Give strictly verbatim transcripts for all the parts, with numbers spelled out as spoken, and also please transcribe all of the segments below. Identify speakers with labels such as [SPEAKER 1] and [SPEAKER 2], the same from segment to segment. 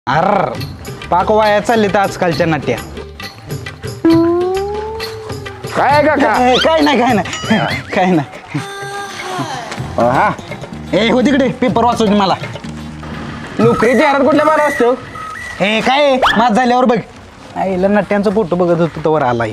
[SPEAKER 1] अर पाक वाया चालले तर आजकालच्या नाट्या.
[SPEAKER 2] काय का
[SPEAKER 1] काय काय नाही काय नाही काय नाही. हा ए हो तिकडे पेपर वाचव मला.
[SPEAKER 2] नोकरीच्या हातात कुठल्या मारा असतो.
[SPEAKER 1] हे काय माझ झाल्यावर बघ. आईला नट्यांचा फोटो बघत होतो तवर आला.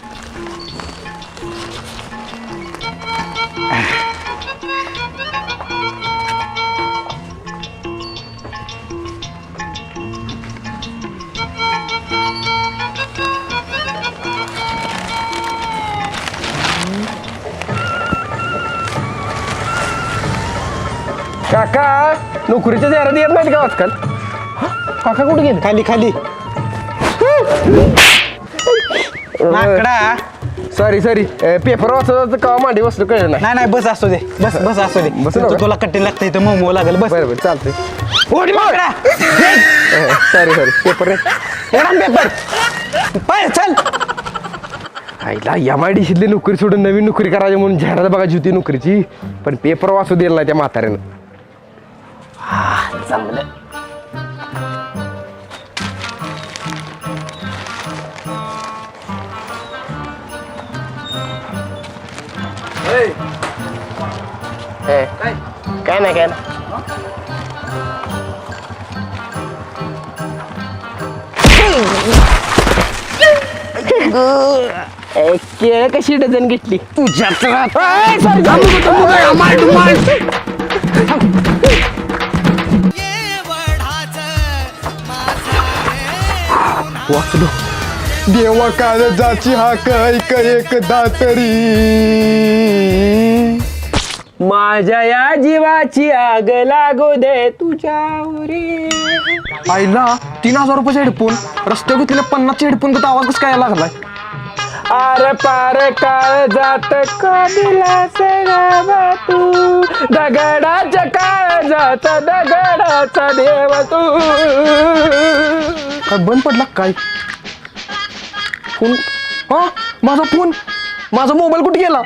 [SPEAKER 2] काका नोकरीच्या जाहिराती येत नाहीत का आजकाल. काका कुठे गेले.
[SPEAKER 1] खाली खाली माकडा.
[SPEAKER 2] सॉरी सॉरी पेपर वाचत का मांडी बसलो कळलं नाही.
[SPEAKER 1] नाही नाही बस असू दे बस बस असू दे
[SPEAKER 2] बस
[SPEAKER 1] तू- तुला कट्टे लागतं इथं मोमो लागेल बस.
[SPEAKER 2] बरं बरं चालतंय.
[SPEAKER 1] ओढ माकडा.
[SPEAKER 2] सॉरी सॉरी पेपर रे.
[SPEAKER 1] पेपर पाय चल.
[SPEAKER 2] आईला एम आय डी शिदली नोकरी सोडून नवीन नोकरी करायची म्हणून जाहिरात बघायची होती नोकरीची. पण पेपर वाचू दिला नाही त्या म्हाताऱ्यानं.
[SPEAKER 1] चांगलं
[SPEAKER 2] काय नाही काय नाही. केळ कशी डझन घेतली
[SPEAKER 1] तुझ्या
[SPEAKER 2] वाचलो. देवा काळजाची हाक ऐक एकदा तरी. माझ्या या जीवाची आग लागू दे तुझ्यावरी.
[SPEAKER 1] आईला तीन हजार रुपयाचे हेडफोन रस्त्यावर घेतलेले पन्नासचे हेडफोन तर आवाज कसं काय लागलाय.
[SPEAKER 2] आर पार काळ जात कदिलास गावा तू. दगडाच्या काळ जात दगडाचा देव तू.
[SPEAKER 1] काय बंद पडला काय फोन. हा माझा फोन माझा मोबाईल कुठे गेला.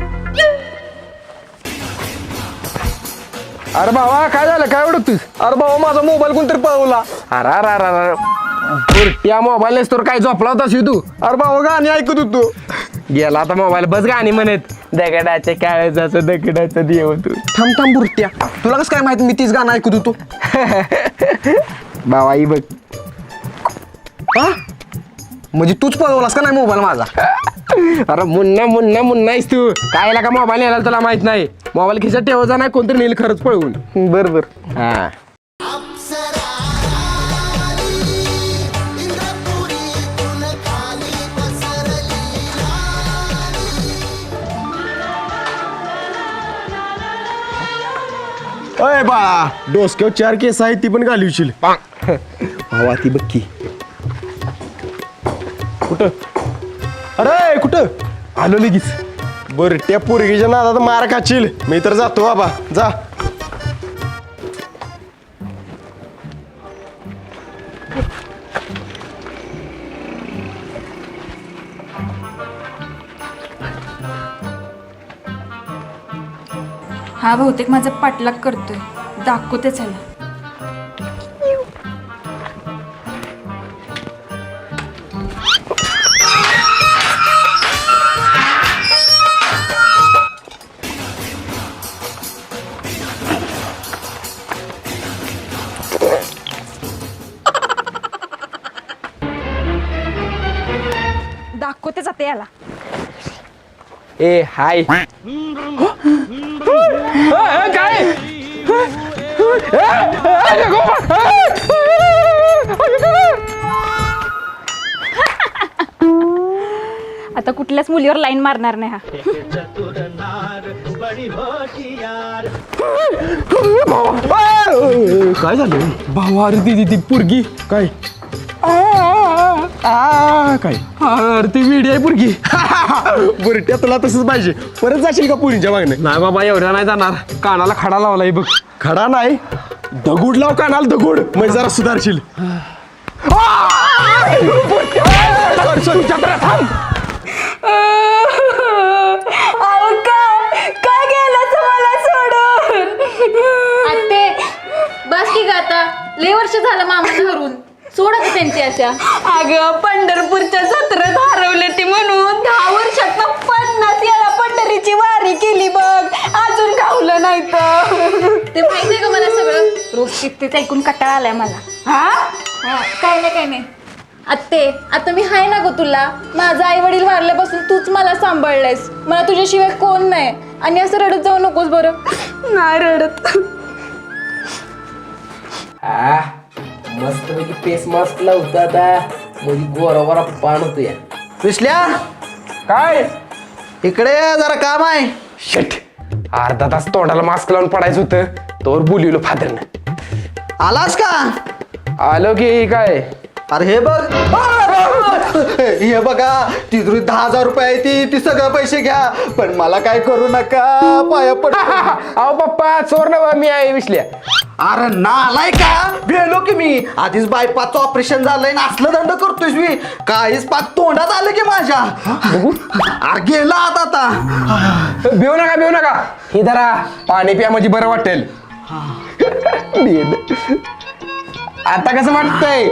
[SPEAKER 2] अरे भावा काय झालं काय ओळखतोस.
[SPEAKER 1] अरे बाबा माझा मोबाईल कोणतरी पळवला.
[SPEAKER 2] अरे अरे अरे अरे त्या मोबाईल नेसतोर काय झोपला होतास तू.
[SPEAKER 1] अरे बाबा गाणी ऐकत होतो.
[SPEAKER 2] गेला आता मोबाईल बस गाणी म्हणत. दगडाच्या काळजाचं दगडाचं देव तू.
[SPEAKER 1] थांब थांब बुरट्या तुला कसं काय माहिती मी तीच गाणं ऐकत होतो.
[SPEAKER 2] भावा ही बघ.
[SPEAKER 1] हा म्हणजे तूच पळवलास का नाही मोबाईल माझा.
[SPEAKER 2] अरे मुन्ना मुन्ना मुन्ना आहेस तू. काय का मोबाईल नेला तुला माहित नाही. मोबाईल खिशात ठेवायचा नाही कोणतरी नेल खरंच पळवून.
[SPEAKER 1] बर बर
[SPEAKER 2] हा
[SPEAKER 1] अय बाळा डोसक्यावर चार केस आहेत ती पण घालवशील. भावा ती बक्की कुठं. अरे कुठं आलो लगेच. बर त्या पोरगीच्या नादात मार खाशील. मी तर जातो बाबा जा.
[SPEAKER 3] हा बहुतेक माझा पाठलाग करतोय. दाखवते चला. दाखवते जाते याला.
[SPEAKER 2] ए हाय काय
[SPEAKER 3] आता कुठल्याच मुलीवर लाईन मारणार नाही हा.
[SPEAKER 1] काय झालं भावा. अरे ती ती पोरगी काय आ काय अरे ती वेडी आहे पोरगी. बुरट्या तुला तसंच पाहिजे. परत जाशील का पुरीच्या मागणे.
[SPEAKER 2] नाही बाबा एवढ्या नाही जाणार. कानाला खडा लावलाय बघ.
[SPEAKER 1] खडा नाही दगुड लाव कानाला दगुड म्हणजे जरा सुधारशील.
[SPEAKER 3] काय गेलं मला सोडून.
[SPEAKER 4] आत्ते बस की ग आता. लय वर्ष झालं मामाला हरून. सोड आता त्यांची आशा.
[SPEAKER 3] अगं पंढरपूरच्या जत्रेत हरवले ती म्हणून दहा वर्षात पन्नास वेळा पंढरीची वारी केली बघ, अजून गावलं नाही तर.
[SPEAKER 4] ते माहिती आहे का मला सगळं.
[SPEAKER 3] रोज कितीच ऐकून कटाळा आलाय मला.
[SPEAKER 4] हा हा, काय नाही काय नाही. आत्ते आता मी हाय ना गो तुला. माझा आई वडील वारल्यापासून तूच मला सांभाळलंयस. मला तुझ्याशिवाय कोण नाही. आणि असं रडत जाऊ नकोस बरं.
[SPEAKER 3] नाही रडत.
[SPEAKER 2] आ मस्त पैकी फेस मास्क लावतो आता म्हणजे गोरा गोरा पान होतो या.
[SPEAKER 5] विसल्या
[SPEAKER 2] काय
[SPEAKER 5] इकडे ये, जरा काम आहे.
[SPEAKER 2] शट अर्धा तास तोंडाला मास्क लावून पडायचं होतं तोवर बोलिवलं फादरनं.
[SPEAKER 5] आलास का?
[SPEAKER 2] आलो की काय.
[SPEAKER 5] अरे हे बघ हे बघा तिजोरीत दहा हजार रुपये आहे ती ती सगळं पैसे घ्या पण मला काय करू नका पाया पड.
[SPEAKER 2] अहो पप्पा चोर नवा मी आहे विसल्या.
[SPEAKER 5] अरे नालाय का भेलो की मी आधीच बायपासचं ऑपरेशन झालंय ना असलं दंड करतोय मी काहीच पाक तोंडात आलं की माझ्या. अरे गेला आता आता
[SPEAKER 2] भिऊ नका भिऊ नका. हे धरा पाणी प्या म्हणजे बरं वाटेल. आता कसं वाटतंय?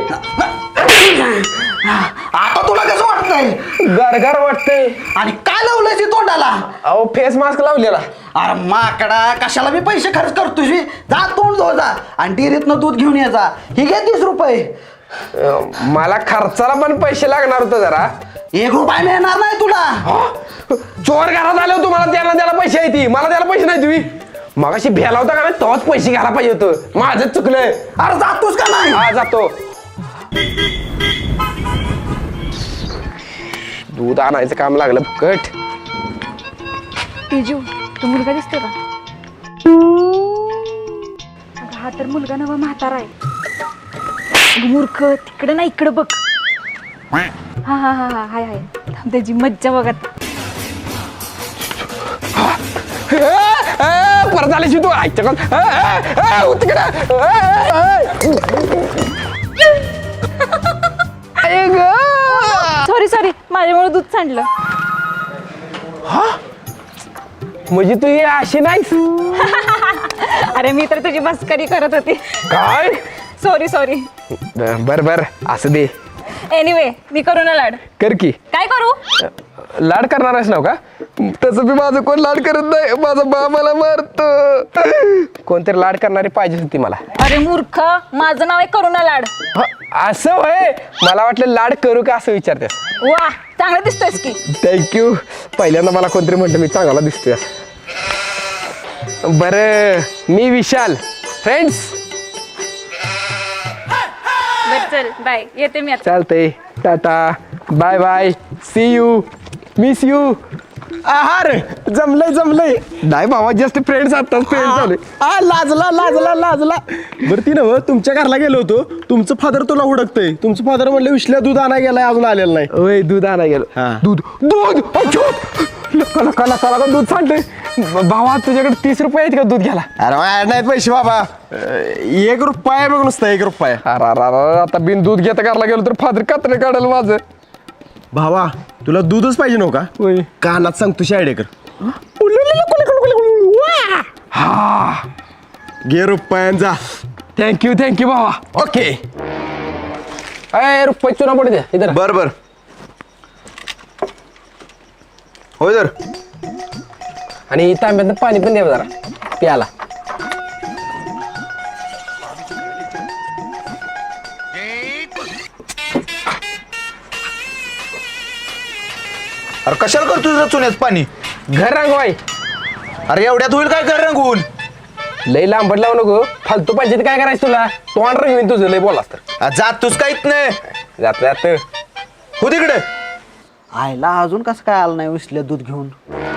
[SPEAKER 5] आता तुला कसं वाटतंय?
[SPEAKER 2] गरगर वाटतंय.
[SPEAKER 5] आणि काय लावलंय ती तोंडाला?
[SPEAKER 2] अहो फेस मास्क लावलेला.
[SPEAKER 5] अरे माकडा कशाला मी पैसे खर्च करतोय मी? जा तोंड धो जा आणि डेअरीतनं दूध घेऊन ये जा. ही घे तीस रुपये.
[SPEAKER 2] अं, मला खर्चाला पण पैसे लागणार होतं जरा.
[SPEAKER 5] एक रुपया मिळणार नाही तुला.
[SPEAKER 2] चोर घरात आले तुम्हाला त्यांना द्यायला पैसे आहे ती मला द्यायला पैसे नाही तुम्ही. मगाशी भ्याला होता का नाही तेव्हाच पैसे घ्यायला पाहिजे होतं. माझंच चुकलंय.
[SPEAKER 5] अरे जातोस का नाही?
[SPEAKER 2] हा जातो. दूध आणायचं काम लागलं फुकट.
[SPEAKER 3] तेजू तो मुलगा दिसतो का? अगं हा तर मुलगा नवा म्हातारा आहे. अगं मूर्ख तिकडे ना इकडे बघ. हा हा हा हा हाय हाय थांब, त्याची मज्जा बघत.
[SPEAKER 2] परत आल्याशी तू ऐकतो
[SPEAKER 3] सॉरी सॉरी माझ्यामुळे दूध सांडलं.
[SPEAKER 2] म्हणजे तू ही अशी नाहीस.
[SPEAKER 3] अरे मी तर तुझी मस्करी करत होती.
[SPEAKER 2] काय?
[SPEAKER 3] Sorry sorry.
[SPEAKER 2] बर बर असं दे.
[SPEAKER 3] एनिवे मी करू ना लाड.
[SPEAKER 2] कर की.
[SPEAKER 3] काय करू?
[SPEAKER 2] लाड करणार आहेस ना का? तसं बी माझं कोण लाड करत नाही. माझा बा मला मारतो. कोणतरी लाड करणारी पाहिजे होती मला.
[SPEAKER 3] अरे मूर्ख माझं नाव आहे करुणा लाड.
[SPEAKER 2] ह, असं होय. मला वाटलं लाड करू का असं विचारतेस.
[SPEAKER 3] वा चांगलं दिसतोयस की.
[SPEAKER 2] थँक्यू. पहिल्यांदा मला कोणतरी म्हणतं मी चांगला दिसतोय. बरं मी विशाल. फ्रेंड्स
[SPEAKER 3] बर चल बाय येते मी आता.
[SPEAKER 2] चालतंय. Tata bye bye see you miss you.
[SPEAKER 1] आहार जमलंय जमलंय.
[SPEAKER 2] नाही भावा जस्ट फ्रेंड्स आताच फ्रेंड झाले.
[SPEAKER 1] आ लाजला लाजला लाजला. बरं ती नव तुमच्या घरला गेलो होतो तुमचं फादर तुला हुडकतंय. तुमचं फादर म्हणलं विश्ल्या दूध आणा गेलाय अजून आलेलं नाही.
[SPEAKER 2] ओय दूध आणा गेलो.
[SPEAKER 1] हा.
[SPEAKER 2] दूध दूध लका लका लका लका दूध सांगते. भावा तुझ्याकडे तीस रुपये आहेत का दूध घ्यायला?
[SPEAKER 1] अरे वाढ नाहीत पैसे बाबा. अं, एक रुपया आहे बघ नुसतं एक रुपया.
[SPEAKER 2] अरे अरे अरे, आता बिन दूध घेता घरला गेलो तर फादर कात्रे काढेल माझं.
[SPEAKER 1] भावा तुला दूधच पाहिजे नव्ह का?
[SPEAKER 2] होय.
[SPEAKER 1] कानात सांग तुझ्या आयडेकर.
[SPEAKER 2] हा
[SPEAKER 1] घे रुपयान जा.
[SPEAKER 2] थँक्यू थँक्यू भावा.
[SPEAKER 1] ओके
[SPEAKER 2] अय रुपये चुना पडू द्या इधर.
[SPEAKER 1] बर बर होय तर.
[SPEAKER 2] आणि तांब्यात पाणी पण द्या जरा प्याला.
[SPEAKER 5] अरे कशाला करतो तुझं चुन्यात पाणी?
[SPEAKER 2] घर रंगवाय.
[SPEAKER 5] अरे एवढ्यात होईल काय कर रंगवून?
[SPEAKER 2] लई लांबट लावू नको. फालतू पाहिजे काय करायचं तुला? तोंड रंगवीन तुझं लई बोलास तर.
[SPEAKER 5] जातोस काहीच नाही.
[SPEAKER 2] जात जात
[SPEAKER 5] हो तिकडे. आईला अजून कसं काय आलं नाही विसल्या दूध घेऊन?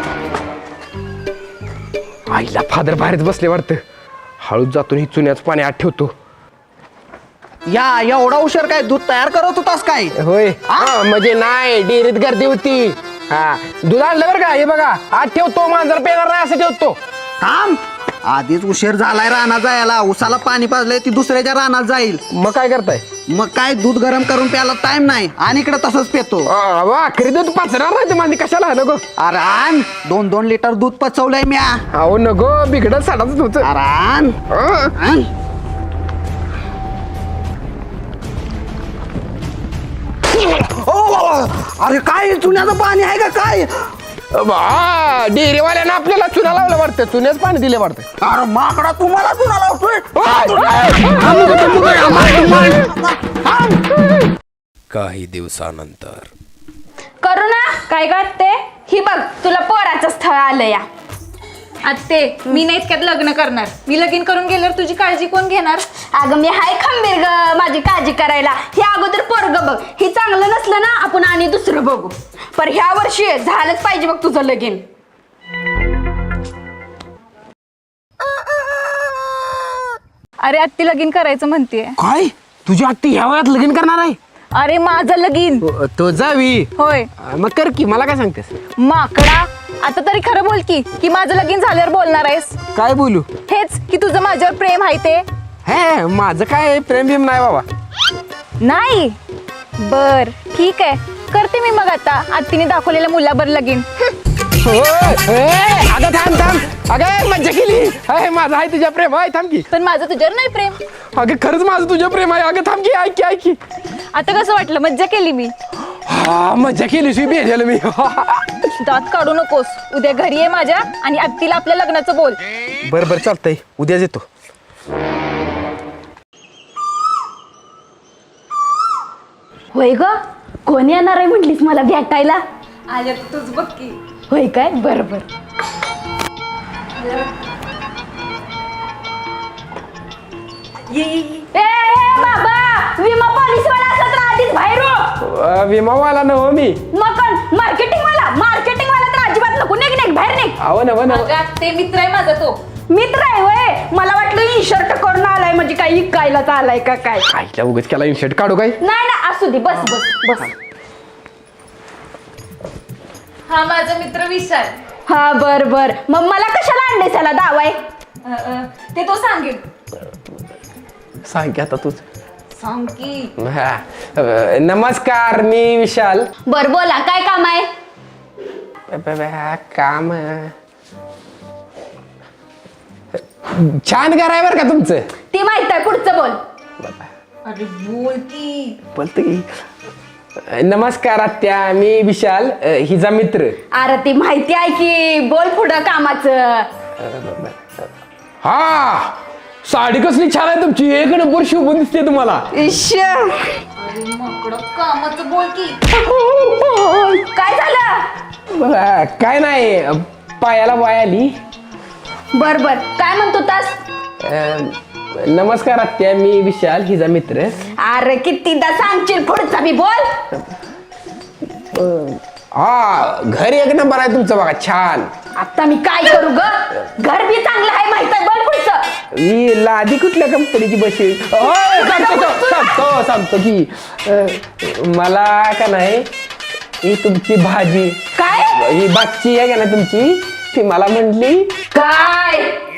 [SPEAKER 2] आईला फादर बाहेरच बसले वाटतं. हळूच जातो ही चुन्याचं पाणी आत ठेवतो.
[SPEAKER 5] या एवढा उशीर काय दूध तयार करत होतास काय?
[SPEAKER 2] होय हा म्हणजे नाही डेअरीत गर्दी होती. हा दूध आणलं बरं का. हे बघा आत ठेवतो मांजर पेणार नाही असं ठेवतो.
[SPEAKER 5] थांब आधीच उशीर झालाय रानात जायला. उसाला पाणी पाजलंय ती दुसऱ्याच्या रानात जाईल.
[SPEAKER 2] मग काय करताय?
[SPEAKER 5] मग काय दूध गरम करून प्यायला टाइम नाही आणि इकडे तसंच पेतो.
[SPEAKER 2] आखरी दूध पाचणार नाही माझी कशाला नको.
[SPEAKER 5] अरे आण दोन दोन लिटर दूध पचवलंय म्या.
[SPEAKER 2] अहो नको बिघडत साडाच तुझं.
[SPEAKER 5] अरे आण. आण. अरे काय चुन्याचं पाणी आहे का काय?
[SPEAKER 2] हा डेअरीवाल्यानं आपल्याला चुना लावलं वाटतं, चुन्याच पाणी दिले वाटतं.
[SPEAKER 5] अरे माकडा तुम्हाला चुना लावतोय.
[SPEAKER 2] काही दिवसानंतर
[SPEAKER 3] करू ना काय करते ही बघ तुला पोराचं स्थळ आलं या.
[SPEAKER 4] आत्ते मी नाही इतक्यात लग्न करणार. मी लगीन करून गेल्यावर तुझी काळजी कोण घेणार?
[SPEAKER 3] अगं मी हाय खंबीर ग माझी काळजी करायला. हे अगोदर पोरग बघ, हे चांगलं नसलं ना आपण आणि दुसरं बघू. पर ह्या वर्षी झालंच पाहिजे बघ तुझं लगीन.
[SPEAKER 4] अरे आत्ती लगीन करायचं म्हणतेय.
[SPEAKER 2] काय तुझी आत्ती ह्या वयात लगीन करणार आहे?
[SPEAKER 4] अरे माझं लगीन.
[SPEAKER 2] तो जावी
[SPEAKER 4] होय.
[SPEAKER 2] मग कर की, मला काय सांगतेस?
[SPEAKER 4] माकडा आता तरी खरं बोल की की माझं लगीन झाल्यावर बोलणार आहेस.
[SPEAKER 2] काय बोलू?
[SPEAKER 4] हेच की तुझं माझ्यावर प्रेम आहे ते.
[SPEAKER 2] हे माझं काय प्रेम बिम नाही बाबा.
[SPEAKER 4] नाही बर ठीक आहे, करते मी मग आता आत्तीने दाखवलेल्या मुलाबर लगीन.
[SPEAKER 2] अगं थांब थांब, अगं मज्जा केली. अरे माझं आहे तुझ्या प्रेम आहे, थांब की.
[SPEAKER 4] पण माझं तुझ्यावर नाही प्रेम.
[SPEAKER 2] अगं खरंच माझं तुझ्या प्रेम आहे. अगं थांब की, ऐक की ऐक की.
[SPEAKER 4] आता कसं वाटलं? मज्जा केली मी.
[SPEAKER 2] हा मज्जा केली शी भेटेल मी.
[SPEAKER 4] दात काढू नकोस. उद्या घरी आहे माझ्या आणि आत्तीला आपल्या लग्नाचं बोल.
[SPEAKER 2] बरं बरं चालतंय, उद्याच येतो.
[SPEAKER 3] होय ग कोण येणार आहे म्हटलीस मला भेटायला?
[SPEAKER 4] आल्या तूच बघ की.
[SPEAKER 3] होय काय बरोबर. ए ए, बाबा विमा पॉलिसीवाला असत तर आधीच बाहेर हो.
[SPEAKER 2] अं, विमावाला नव मी.
[SPEAKER 3] मग मार्केटिंग वाला मार्केटिंग वाला तर अजिबात नको. निघ निघ बाहेर निघ.
[SPEAKER 2] अहो नव नव.
[SPEAKER 4] ते मित्र आहे माझा तो.
[SPEAKER 3] मित्र आहे वय. मला वाटलं इन शर्ट करून आलाय म्हणजे काही इकायला आलाय का काय.
[SPEAKER 2] आईला उगाच केला इनशर्ट काढू काय?
[SPEAKER 3] नाही ना असू दे बस बस बस.
[SPEAKER 4] हा माझा मित्र विशाल.
[SPEAKER 3] हा बर बर मग मला कशाला आणले त्याला दावाय?
[SPEAKER 4] अ, अ, ते तो सांगेल.
[SPEAKER 2] सांग की आता तूच.
[SPEAKER 4] सांग की.
[SPEAKER 2] हा. अं, नमस्कार मी विशाल.
[SPEAKER 3] बर बोला काय काम आहे?
[SPEAKER 2] ब- ब- हा, काम छान कराय बरं का तुमचं.
[SPEAKER 3] ती माहित आहे पुढचं बोल.
[SPEAKER 4] अरे बोल की.
[SPEAKER 2] बोलतो की. नमस्कार आत्या मी विशाल, अं, हिचा मित्र.
[SPEAKER 3] अरे ती माहिती आहे की बोल पुढं कामाचं.
[SPEAKER 2] हा साडी कसली छान आहे तुमची, एक नंबर शोभून दिसते तुम्हाला.
[SPEAKER 3] इश्श.
[SPEAKER 4] अरे माकडं कामाचं बोल की.
[SPEAKER 3] काय झालं?
[SPEAKER 2] अं, काय नाही, पायाला वाय आली.
[SPEAKER 3] बर बर काय म्हणतो तास?
[SPEAKER 2] अं, नमस्कार आत्या मी विशाल हिचा मित्र.
[SPEAKER 3] अरे कितीदा सांगशील पुढचा बी बोल.
[SPEAKER 2] हा घर एक नंबर आहे तुमचं बघा, छान.
[SPEAKER 3] आता मी काय करू ग? घर बी चांगलं आहे माहित आहे. बोल पुढचं.
[SPEAKER 2] ही लादी कुठल्या कंपनीची बशी? सांगतो सांगतो सांगतो की अं, मला का नाही ही तुमची भाजी,
[SPEAKER 3] काय
[SPEAKER 2] ही बागची आहे का ना तुमची, ती मला म्हटली
[SPEAKER 3] काय?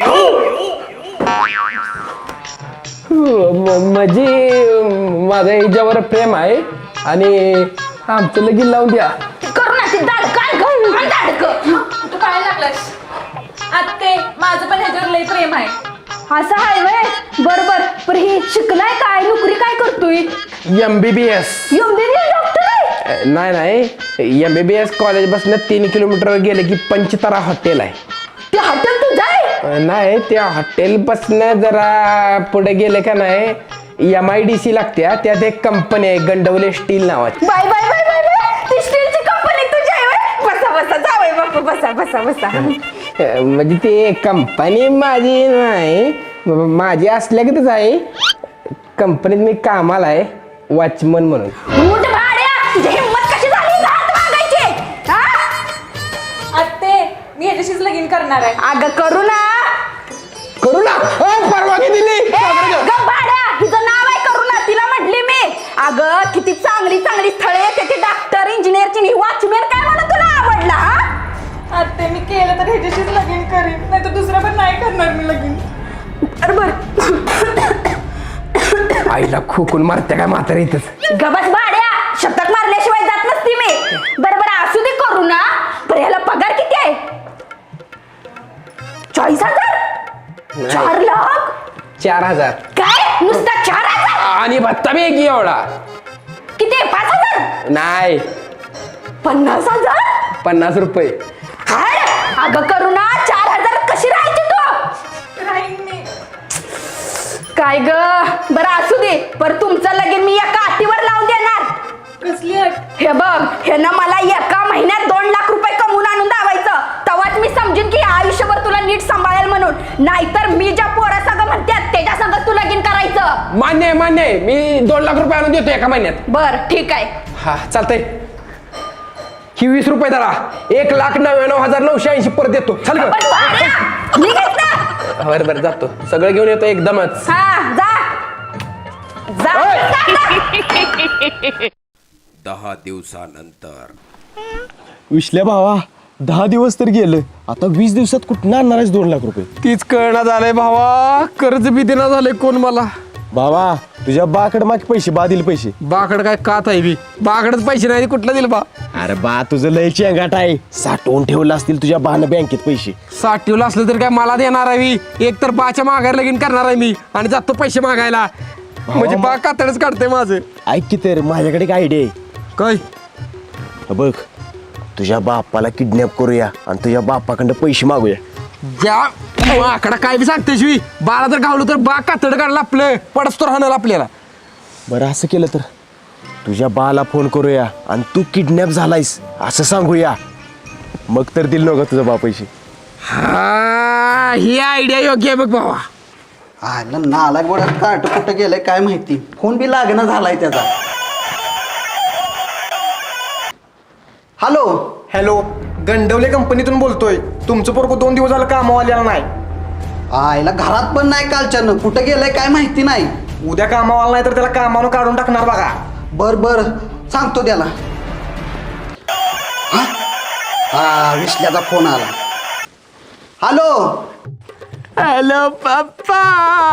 [SPEAKER 2] म्हणजे माझं हिच्यावर प्रेम आहे आणि आमचं लगीन लावून द्या.
[SPEAKER 3] करू ना ती दाड काय घेऊन दाडक.
[SPEAKER 4] तू काय लागलास? आत्ते माझं पण ह्याच्यावर लय प्रेम आहे.
[SPEAKER 3] असं आहे वय. बरोबर पण हे शिकलाय काय? नोकरी काय करतोय?
[SPEAKER 2] M B B S.
[SPEAKER 3] MBBS doctor आहे?
[SPEAKER 2] नाही नाही, M B B S college बसनं तीन किलोमीटर गेले की पंचतारा हॉटेल आहे.
[SPEAKER 3] ते हॉटेल तू जाय.
[SPEAKER 2] अं, नाही त्या हॉटेलपासनं जरा पुढे गेले का नाही एम आय डी सी लागत्या, त्यात एक कंपनी आहे गंडवले स्टील नावाची.
[SPEAKER 3] Bye bye bye bye bye. ती स्टीलची कंपनी तुझी आहे वय? बसा बसा जावय बापू बसा बसा बसा.
[SPEAKER 2] अं, म्हणजे ते कंपनी माझी नाही, माझी असल्यागतच आहे. कंपनीत मी कामाला आहे वॉचमन म्हणून.
[SPEAKER 3] उठ भाड्या. तुझी हिम्मत कशी झाली हात मागायची? हा?
[SPEAKER 4] आत्ते मी ह्याच्याशीच लगीन करणार आहे.
[SPEAKER 3] अगं करू ना.
[SPEAKER 2] करू ना. अं, परवानगी दिली.
[SPEAKER 3] ए, गं भाड्या. हिचं नाव आहे करू ना. तिला म्हटली मी. अगं किती चांगली चांगली स्थळे येते ती डॉक्टर इंजिनियरची. वॉचमॅन काय म्हणून तुला आवडला? हा?
[SPEAKER 4] आत्ते मी केलं तर ह्याच्याशीच लगीन करीन, नाही तर दुसरं पण नाही करणार मी लगीन.
[SPEAKER 3] बरोबर.
[SPEAKER 2] आईला खोकून मारते काय म्हातारी इथंच.
[SPEAKER 3] गबस भाड्या. शतक मारल्याशिवाय जात नसती मी. बरोबर असू दे करू ना. पण ह्याला पगार किती आहे? चाळीस हजार? चार लाख?
[SPEAKER 2] चार हजार
[SPEAKER 3] काय नुसता चार हजार?
[SPEAKER 2] आणि भत्ता बी एक एवढा.
[SPEAKER 3] किती पाच हजार
[SPEAKER 2] नाही
[SPEAKER 3] पन्नास हजार
[SPEAKER 2] पन्नास रुपये.
[SPEAKER 3] काय अगं करुणा चार हजार कशी राहायची तू काय ग बरं असू दे पर तुमचं लगीन मी एका अटीवर लावून देणार.
[SPEAKER 4] कसली अट?
[SPEAKER 3] हे बघ हे ना मला एका महिन्यात दोन लाख रुपये कमवून आणून दावायचं तेव्हाच मी समजून की आयुष्यभर तुला नीट सांभाळेल म्हणून. नाहीतर मी ज्या पोरा संग म्हणतात त्याच्या संग तू लगीन करायचं.
[SPEAKER 2] मान्य आहे मान्य आहे मी दोन लाख रुपये आणून देतो एका महिन्यात.
[SPEAKER 3] बर ठीक आहे.
[SPEAKER 2] हा चालतंय. ही वीस रुपये धरा एक लाख नव्याण्णव हजार नऊशे ऐंशी परत देतो. चल ग.
[SPEAKER 3] पण भाड्या, निघायचं ना.
[SPEAKER 2] बरं बरं जातो सगळं घेऊन येतो एकदमच.
[SPEAKER 3] हा जा जा, जा, जा.
[SPEAKER 6] दहा दिवसानंतर
[SPEAKER 1] विश्ल्या भावा दहा दिवस तर गेलं आता वीस दिवसात कुठं आणणार आहेस दोन लाख रुपये.
[SPEAKER 2] तीच कळना झालंय भावा कर्ज बी देना झालंय कोण मला.
[SPEAKER 1] भावा तुझ्या बाकड मागे पैसे बा दिले पैसे.
[SPEAKER 2] बाकड काय कात आहे बी बाकडच पैसे नाही कुठला दिल बा.
[SPEAKER 1] अरे बा तुझं लय चेंगाट आहे साठवून ठेवलं असतील तुझ्या बानं बँकेत पैसे.
[SPEAKER 2] साठीवलं असलं तर काय मला देणार आहे मी. एक तर बाच्या मागायला लगीन करणार आहे मी आणि जातो पैसे मागायला म्हणजे बा कातडच काढते माझं.
[SPEAKER 1] ऐक की तर माझ्याकडे एक आयडिया आहे.
[SPEAKER 2] काय
[SPEAKER 1] हा बघ तुझ्या बापाला किडनॅप करूया आणि तुझ्या बापाकडं पैसे मागूया.
[SPEAKER 2] ज्या आकडा काय बी सांगते शिवी बाळा जर गावलो तर बा कातड काढला आपलं पडस तर राहणार आपल्याला.
[SPEAKER 1] बरं असं केलं तर तुझ्या बाला फोन करूया आणि तू किडनॅप झालायस असं सांगूया मग तर दिल नका तुझा बा पैसे.
[SPEAKER 2] हा ही आयडिया योग्य आहे बघ भावा.
[SPEAKER 5] आयला नालायक बडा कार्ट कुठं गेलंय काय माहिती. फोन बी लागणं झालाय त्याचा. हॅलो
[SPEAKER 1] हॅलो गंडवले कंपनीतून बोलतोय. तुमचं पोरगं दोन दिवस झालं कामावर आलेला नाही.
[SPEAKER 5] आयला घरात पण नाही कालच्यानं कुठं गेलंय काय माहिती नाही.
[SPEAKER 1] उद्या कामावर नाही तर त्याला कामानं काढून टाकणार बघा.
[SPEAKER 5] बर बर सांगतो त्याला. हा? हा विश्ल्याचा फोन आला. हॅलो
[SPEAKER 2] हॅलो पप्पा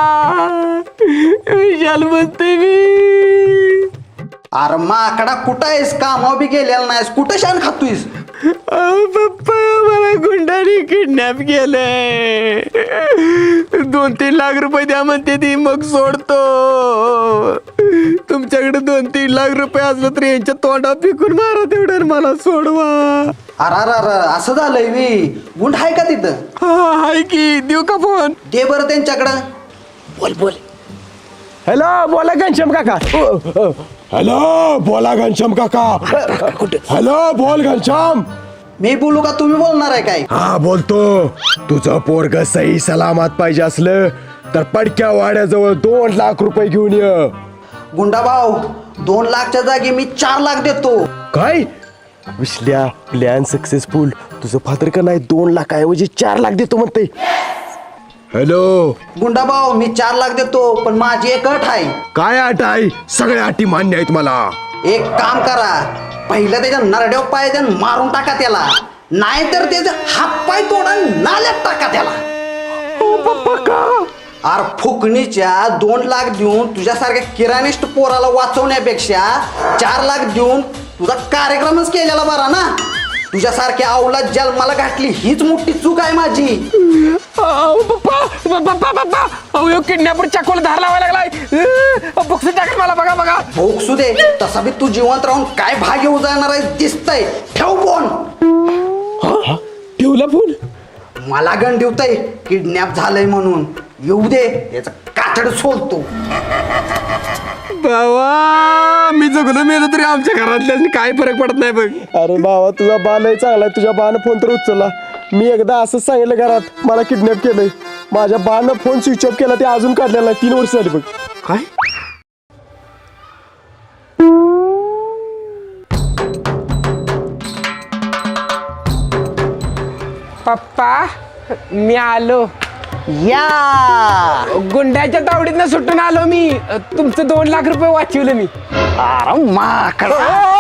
[SPEAKER 2] विशाल बोलतोय मी.
[SPEAKER 5] अरे माकडा कुठं आहेस कामावर बी गेलेला नाहीस कुठं शान खातोयस.
[SPEAKER 2] पप्पा मला गुंडाने किडनॅप केलंय. दोन तीन लाख रुपये द्या म्हणते ती मग सोडतो. तुमच्याकडे दोन तीन लाख रुपये असलं तर यांच्या तोंडा पिकून मारा तेवढं मला सोडवा.
[SPEAKER 5] अरे अरे अरे असं झालंय वी गुंड आहे का तिथं.
[SPEAKER 2] हा हाय की देऊ का फोन.
[SPEAKER 5] दे बरं त्यांच्याकडं. बोल बोल.
[SPEAKER 1] हॅलो बोला घनश्याम काका. हॅलो बोला घनश्याम काका. हॅलो बोल घनश्याम.
[SPEAKER 5] मी बोलू का तुम्ही बोलणार आहे काय.
[SPEAKER 1] हा बोलतो. तुझं पोरग सही सलामत पाहिजे असलं तर पडक्या वाड्याजवळ दोन लाख रुपये घेऊन ये.
[SPEAKER 5] गुंडा भाऊ दोन लाखच्या जागी मी चार लाख देतो.
[SPEAKER 1] काय विसल्या प्लॅन सक्सेसफुल. तुझं फादर का नाही दोन लाखाऐवजी चार लाख देतो म्हणते. हॅलो
[SPEAKER 5] गुंडा भाऊ मी चार लाख देतो पण माझी एक अट आहे.
[SPEAKER 1] काय अट आहे. सगळ्या अटी मान्य आहेत मला.
[SPEAKER 5] एक काम करा पहिलं त्याच्या नरड्याव पाय द्या मारून टाका त्याला नाहीतर त्याचे हात पाय तोडा नाल्यात टाका त्याला. अरे फुकणीच्या दोन लाख देऊन तुझ्यासारख्या किराणिष्ट पोराला वाचवण्यापेक्षा चार लाख देऊन तुझा कार्यक्रमच केलेला बरा ना. तुझ्यासारख्या अवलाद जन्माला घातली हीच मोठी चूक आहे माझी.
[SPEAKER 2] पप्पा पप्पा पप्पा अहो किडनॅपर चाकूला धार लावायला लागलाय. बक्षीस टाकत मला बघा बघा.
[SPEAKER 5] भोगसू दे तसा बी तू जिवंत राहून काय भाग येऊ जाणार आहे दिसतंय. ठेव फोन.
[SPEAKER 1] ठेवला फोन.
[SPEAKER 5] मला गण ठेवतय किडनॅप झालंय म्हणून. येऊ दे याचं कातड सोलतो.
[SPEAKER 2] बाबा मी जगलो मेलो तरी आमच्या घरातल्या काय फरक पडत नाही बघ.
[SPEAKER 1] अरे बाबा तुझा बाल आहे चांगला आहे. तुझ्या बानं फोन तर उचलला. मी एकदा असंच सांगितलं घरात मला किडनॅप केलंय. माझ्या बानं फोन स्विच ऑफ केला ते अजून काढलेला तीन वर्ष झाली बघ.
[SPEAKER 2] काय पप्पा मी आलो.
[SPEAKER 5] या
[SPEAKER 2] गुंड्याच्या तावडीतनं सुटून आलो मी. तुमचं दोन लाख रुपये वाचवलं मी.
[SPEAKER 5] अरे माकडा.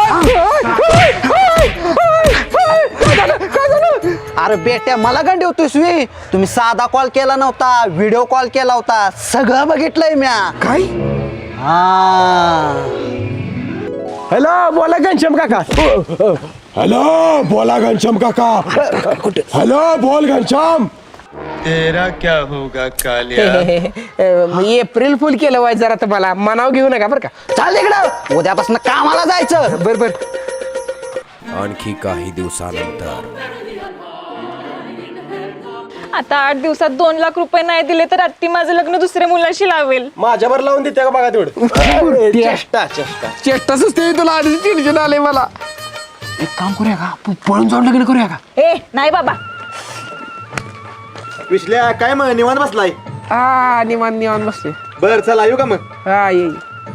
[SPEAKER 5] अरे बेट्या मला गण ठेवतोयस वी. तुम्ही साधा कॉल केला नव्हता व्हिडिओ कॉल केला होता सगळं बघितलंय म्या.
[SPEAKER 2] काय
[SPEAKER 5] हा
[SPEAKER 1] हॅलो बोला घनश्याम काका. हॅलो बोला घनश्याम काका. हॅलो बोल घनश्याम. तेरा क्या होगा कालिया
[SPEAKER 2] अं, एप्रिल फुल केलं वाय जरा तुम्हाला मनाव घेऊ नका बरं का.
[SPEAKER 5] चाल इकडं उद्यापासून कामाला जायचं.
[SPEAKER 2] बर बर.
[SPEAKER 6] आणखी काही दिवसानंतर
[SPEAKER 4] आता आठ दिवसात दोन लाख रुपये नाही दिले तर आत्ती माझं लग्न दुसऱ्या मुलाशी लावेल.
[SPEAKER 1] माझ्यावर लावून देते का बघा तेवढं. चेष्टा चेष्टा
[SPEAKER 2] चेष्टा सुचते तुला आधीच टेन्शन आले मला. एक काम करूया का आपण पळून जाऊन लग्न करूया का.
[SPEAKER 4] ए नाही बाबा.
[SPEAKER 5] विश्ल्या काय मग निवांत बसलाय.
[SPEAKER 2] हा निवान निवान बसते.
[SPEAKER 5] बर चला येऊ का मग.
[SPEAKER 2] हा ये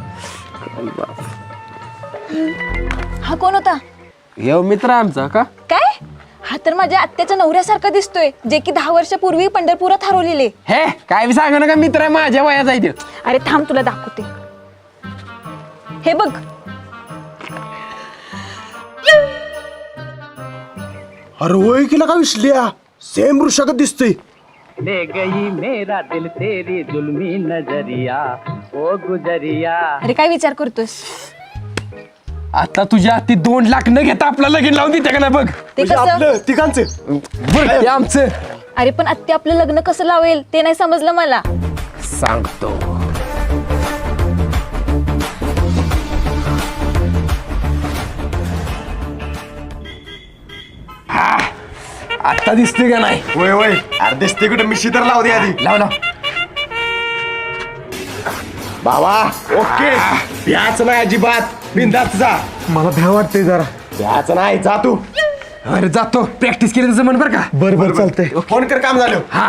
[SPEAKER 4] हा कोण होता?
[SPEAKER 2] येऊ मित्र आमचा का.
[SPEAKER 4] काय? हा तर माझ्या आत्याच्या नवऱ्यासारखा दिसतोय जे की दहा वर्षापूर्वी पंढरपुरात हरवलेले.
[SPEAKER 2] हे काय बी सांगा नका मित्र आहे माझ्या वयाचा आहे त्यो.
[SPEAKER 4] अरे थांब तुला दाखवते. हे बघ.
[SPEAKER 1] अरे होय केला का विसल्या सेम वृषागत दिसतोय.
[SPEAKER 7] ले गई मेरा दिल तेरी जुल्मी नजरिया ओ गुजरिया.
[SPEAKER 4] अरे काय विचार करतोस?
[SPEAKER 2] आता तुझ्या हाती दोन लाख न घेता आपलं लगीन लावून देते का नाही बघ.
[SPEAKER 4] ते
[SPEAKER 1] म्हणजे
[SPEAKER 4] कसं?
[SPEAKER 1] आपलं तिघांचं
[SPEAKER 2] बरं ते आमचं
[SPEAKER 4] अरे पण आत्या आपलं लग्न कसं लावेल ते नाही समजलं मला.
[SPEAKER 2] सांगतो. हा, आता दिसते का नाही.
[SPEAKER 1] होय होय अरे दिसते कुठं मिशी तर लावू दे आधी.
[SPEAKER 2] लाव लाव.
[SPEAKER 1] बाबा ओके भ्याच नाही अजिबात बिंदात जा. मला भ्या वाटतंय जरा. भ्याच नाही जा तू.
[SPEAKER 2] अरे जातो प्रॅक्टिस केली तसं म्हण बरं का.
[SPEAKER 1] बर बर चालतंय फोन कर काम झालं.
[SPEAKER 2] हा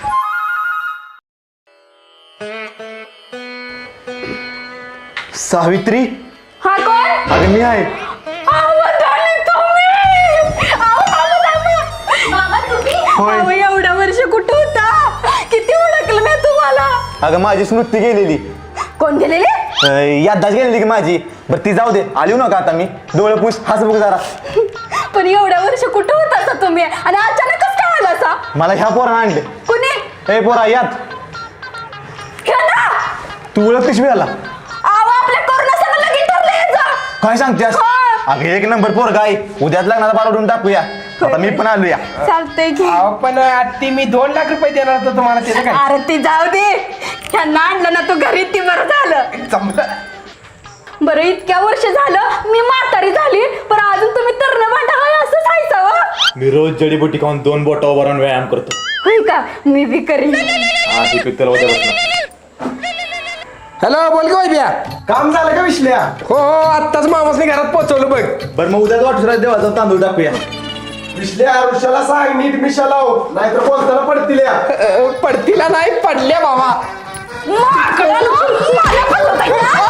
[SPEAKER 5] सावित्री
[SPEAKER 3] हा कोण?
[SPEAKER 5] अरे मी आहे.
[SPEAKER 3] अहो, darling, तुम्ही! अहो, थांबा, थांबा. मामा, तुम्ही?
[SPEAKER 5] होय.
[SPEAKER 3] अहो, एवढ्या वर्ष कुठं होता? किती ओळखलं मी तुम्हाला.
[SPEAKER 5] अगं माझी स्मृती गेलेली.
[SPEAKER 3] कोण गेलेले?
[SPEAKER 5] यादाच गेलेली की माझी. बरं ती जाऊ दे आली नका आता मी. डोळे पुस हाच बघ जरा.
[SPEAKER 3] पण एवढ्या वर्ष कुठं होता तुम्ही आणि अचानकच काय आला असा?
[SPEAKER 5] मला ह्या पोरानं आणले.
[SPEAKER 3] कुणी?
[SPEAKER 5] हे पोरा यात
[SPEAKER 3] ह्याला?
[SPEAKER 5] तू ओळखतीस मी याला.
[SPEAKER 3] अहो, आपल्या करोना सगळं लगीन ठरलं ह्याचं.
[SPEAKER 5] काय सांगतेस.
[SPEAKER 3] हा.
[SPEAKER 5] अगं एक नंबर पोर काय उद्याच लग्नाला पारवडून टाकूया. आता मी पण आलो या.
[SPEAKER 3] चालतंय की.
[SPEAKER 2] अहो, पण आत्ती मी दोन लाख रुपये देणार होतो तुम्हाला त्याचं काय.
[SPEAKER 3] अरे ती जाऊ दे. ह्यांना आणलं ना तू घरी ती बरं झालं.
[SPEAKER 2] जमलं.
[SPEAKER 3] बरं इतक्या वर्ष झालं मी म्हातारी झाली पण अजून तुम्ही तरण भांडा आहे असं सांगायचं.
[SPEAKER 8] मी रोज जडीबुटी खाऊन दोन बोटावर भरून व्यायाम करतो.
[SPEAKER 3] होय का मी बी करीन.
[SPEAKER 8] हा ती पित्तल उद्यापासून.
[SPEAKER 2] हॅलो बोल का बिया.
[SPEAKER 1] काम झालं का विसल्या.
[SPEAKER 2] हो हो आत्ताच मामासने घरात पोहोचवलं बघ.
[SPEAKER 5] बरं मग उद्याच वाटून देवाचा तांदूळ टाकूया.
[SPEAKER 1] विसल्या ऋषाला सांग नीट मिशा लाव नाहीतर बोलताना पडतील या.
[SPEAKER 2] अ, पडतीला नाही पडल्या बाबा.
[SPEAKER 3] माकडानो, मला फसवताय ना?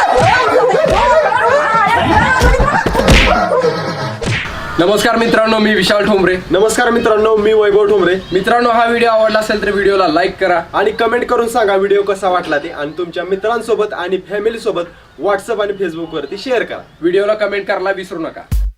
[SPEAKER 9] नमस्कार मित्रांनो, मी विशाल ठोंबरे.
[SPEAKER 1] नमस्कार मित्रांनो मी वैभव ठोंबरे.
[SPEAKER 9] मित्रांनो, हा व्हिडिओ आवडला असेल तर व्हिडिओला लाईक करा
[SPEAKER 1] आणि कमेंट करून सांगा व्हिडिओ कसा वाटला ते आणि तुमच्या मित्रांसोबत आणि फॅमिली सोबत व्हॉट्सअप आणि फेसबुक वरती शेअर करा.
[SPEAKER 9] व्हिडिओला कमेंट करायला विसरू नका.